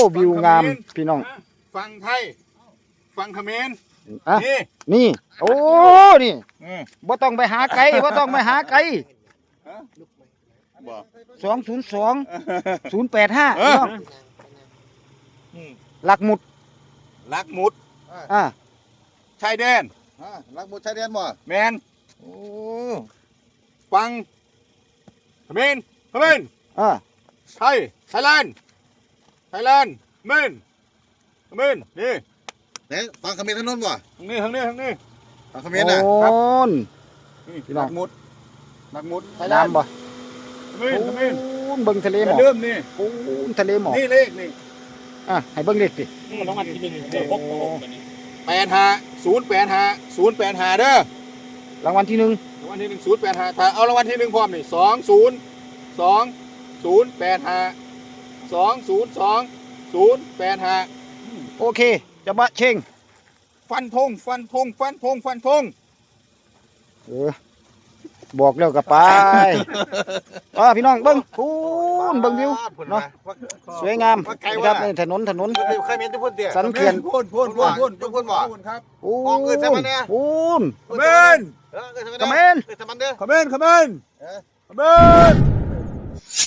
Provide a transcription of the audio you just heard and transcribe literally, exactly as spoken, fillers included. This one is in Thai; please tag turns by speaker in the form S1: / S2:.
S1: วิวงามพี่น้อง
S2: ฟังไทยฟังเขมร
S1: อ่ะ
S2: นี่
S1: นี่โอ้นี่
S2: อืม
S1: บ่ต้องไปหาไกลบ่ต้องไปหาไกล
S2: บ่
S1: สองศูนย์สองศูนย์แปดห้า
S2: เอ
S1: พี่
S2: อ
S1: น้องหลักหมุด
S2: ลักหมุด
S1: อ่า
S2: ชายแดน
S3: ฮะรักหมุดชายแดนบ่
S2: แมน
S3: โอ้
S2: ฟังเขมรเขมร
S1: อ่า
S2: ไทยไทยแลนด์ไทยแลนด์เขมรเขมรนี่
S3: ไหนฟังเขมรทางโน้นบ่
S2: ทางนี้ทางนี้ทางนี้
S3: ฟังเขมรน่ะ
S1: โอ้น
S2: นี่
S1: พี่น้อง
S2: ลักหมุดลักหมุดไทยแลนด์
S1: น้ำบ่
S2: เขมรเขมร
S1: โอ้นเบิ่งทะเลหมอก
S2: เริ่มนี่
S1: โอ้นทะเลหมอก
S2: นี่เลขนี่
S1: อ่ะให้เบิ่งเลขสิ
S4: มันต้องอันที่หนึ่งเดี๋ยวพกตัวผมกันนี่
S2: แปดห้าศูนย์แปดห้าศูนย์แปดห้าเด้อ
S1: รางวัลที่หนึ่ง
S2: รางวัลที่หนึ่งศูนย์แปดห้าถ้าเอารางวัลที่หนึ่งพร้อมนี่สองศูนย์สองศูนย์แปดห้าสองศูนย์สองศูนย์แปดห้า
S1: โอเคจะบะเชง
S2: ฟันธงฟันธงฟันธงฟันธง
S1: เออบอกแล้วก็ไปอ่าพี่น้องเบิ่งโอ้นเบิ่งวิวเนาะสวยงามนะครับนี่ถนนถนน
S3: เขมรทุกคนเดียว
S1: สันเขื่อน
S2: พ่นพ่นพ่นพ่น
S3: พ่นพ่นบ่
S2: พ่นครับ
S1: โอ้
S3: มองเอิ้นใช่ไหมเนี่ย
S1: โอ้น
S2: เขมร
S3: เออเออ
S1: เขมร
S3: เออทำมันเด้อ
S2: เขมรเขมร
S3: เออ
S2: เขมร